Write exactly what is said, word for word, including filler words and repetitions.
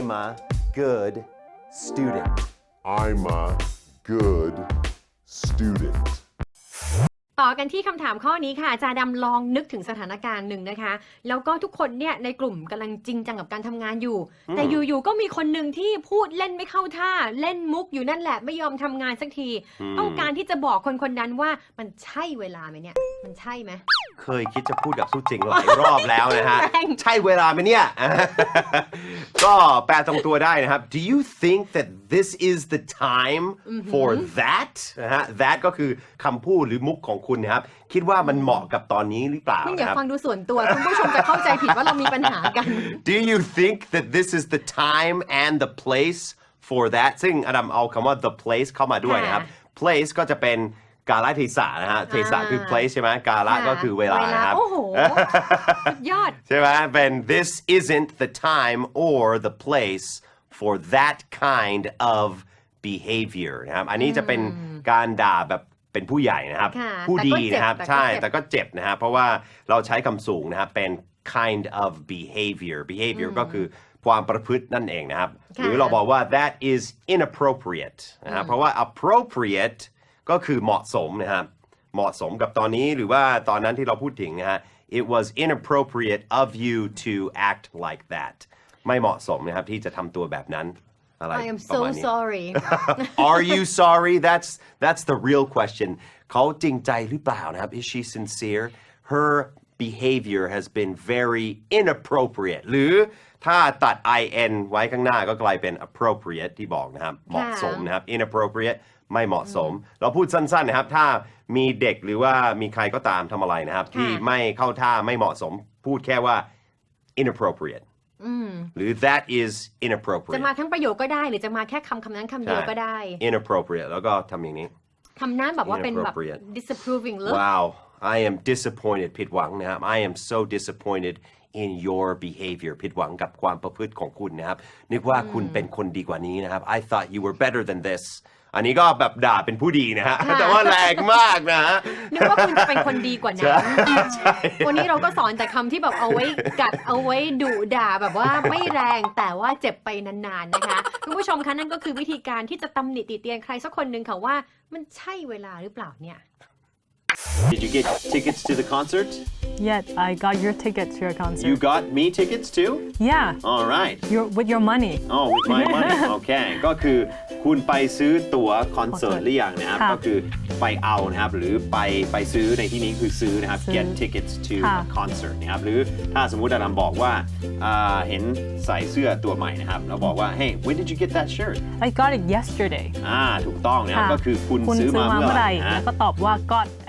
I'm a good student I'm a good student ต่อกันที่คำถามข้อนี้ค่ะอาจารย์ดำลองนึกถึงสถานการณ์หนึ่งนะคะแล้วก็ทุกคนเนี่ยในกลุ่มกำลังจริงจังกับการทำงานอยู่แต่อยู่ๆก็มีคนหนึ่งที่พูดเล่นไม่เข้าท่าเล่นมุกอยู่นั่นแหละไม่ยอมทำงานสักทีต้องการที่จะบอกคนคนนั้นว่ามันใช่เวลาไหมเนี่ยมันใช่ไหมเคยคิดจะพูดกับสู้จริงหลายรอบแล้วนะฮะ ใช่เวลาไหมเนี่ย ก็แปลตรงตัวได้นะครับ Do you think that this is the time for that นะฮะ that ก็คือคำพูดหรือมุกของคุณนะครับคิดว่ามันเหมาะกับตอนนี้หรือเปล่าคุณอย่านะครับฟังดูส่วนตัวคุณผู้ชมจะเข้าใจผิดว่าเรามีปัญหากัน Do you think that this is the time and the place for that ซึ่งอดัมเอาคำว่า the place เข้ามาด้วยนะครับ place ก็จะเป็นกาลเทศะนะฮะเทศะคือ place ใช่ไหมกาลก็คือเวลานะครับโอ้โหสุดยอดใช่ไหมเป็น this isn't the time or the place for that kind of behavior นะครับอันนี้จะเป็นการด่าแบบเป็นผู้ใหญ่นะครับผู้ดีนะครับใช่แต่ก็เจ็บนะครับเพราะว่าเราใช้คำสูงนะครับเป็น kind of behavior behavior ก็คือความประพฤตินั่นเองนะครับหรือเราบอกว่า that is inappropriate นะครับเพราะว่า appropriate ก็คือเหมาะสมนะครับเหมาะสมกับตอนนี้หรือว่าตอนนั้นที่เราพูดถึงนะฮะ it was inappropriate of you to act like that ไม่เหมาะสมนะครับที่จะทำตัวแบบนั้นอะไร I am so sorry Are you sorry that's that's the real question เขาจริงใจหรือเปล่านะครับ is she sincere her behavior has been very inappropriate หรือถ้าตัด in ไว้ข้างหน้าก็กลายเป็น appropriate ที่บอกนะครับเหมาะสมนะครับ inappropriate ไม่เหมาะสมเราพูดสั้นๆนะครับถ้ามีเด็กหรือว่ามีใครก็ตามทำอะไรนะครับที่ไม่เข้าท่าไม่เหมาะสมพูดแค่ว่า inappropriate หรือ that is inappropriate จะมาทั้งประโยคก็ได้หรือจะมาแค่คำคำนั้นคำเดียวก็ได้ inappropriate แล้วก็ทำอย่างนี้ทำหน้าแบบว่าเป็นแบบ disapproving look Wow I am disappointed ผิดหวังนะครับ I am so disappointed in your behavior ผิดหวังกับความประพฤติของคุณนะครับนึกว่าคุณเป็นคนดีกว่านี้นะครับ I thought you were better than this อันนี้ก็แบบด่าเป็นผู้ดีนะฮะแต่ว่าแรงมากนะฮะนึกว่าคุณจะเป็นคนดีกว่านั้นวันนี้เราก็สอนแต่คำที่แบบเอาไว้กัดเอาไว้ดุด่าแบบว่าไม่แรงแต่ว่าเจ็บไปนานๆนะคะคุณผู้ชมคะนั่นก็คือวิธีการที่จะตำหนิติเตียนใครสักคนหนึ่งค่ะว่ามันใช่เวลาหรือเปล่าเนี่ย Did you get tickets to the concert? Yeah, I got your ticket to your concert. You got me tickets too? Yeah. All right. Your, with your money. Oh, with my money. Okay. ก็คือคุณไปซื้อตั๋วคอนเสิร์ตหรือยังนะครับก็คือไปเอานะครับหรือไปไปซื้อในที่นี้คือซื้อนะครับ get tickets to a concert นะครับหรือถ้าสมมุติอาดัมบอกว่าเห็นใส่เสื้อตัวใหม่นะครับแล้วบอกว่า Hey, when did you get that shirt? I got it yesterday. อ่าถูกต้องนะครับก็คือคุณซื้อมาเมื่อไหร่แล้วก็ตอบว่า got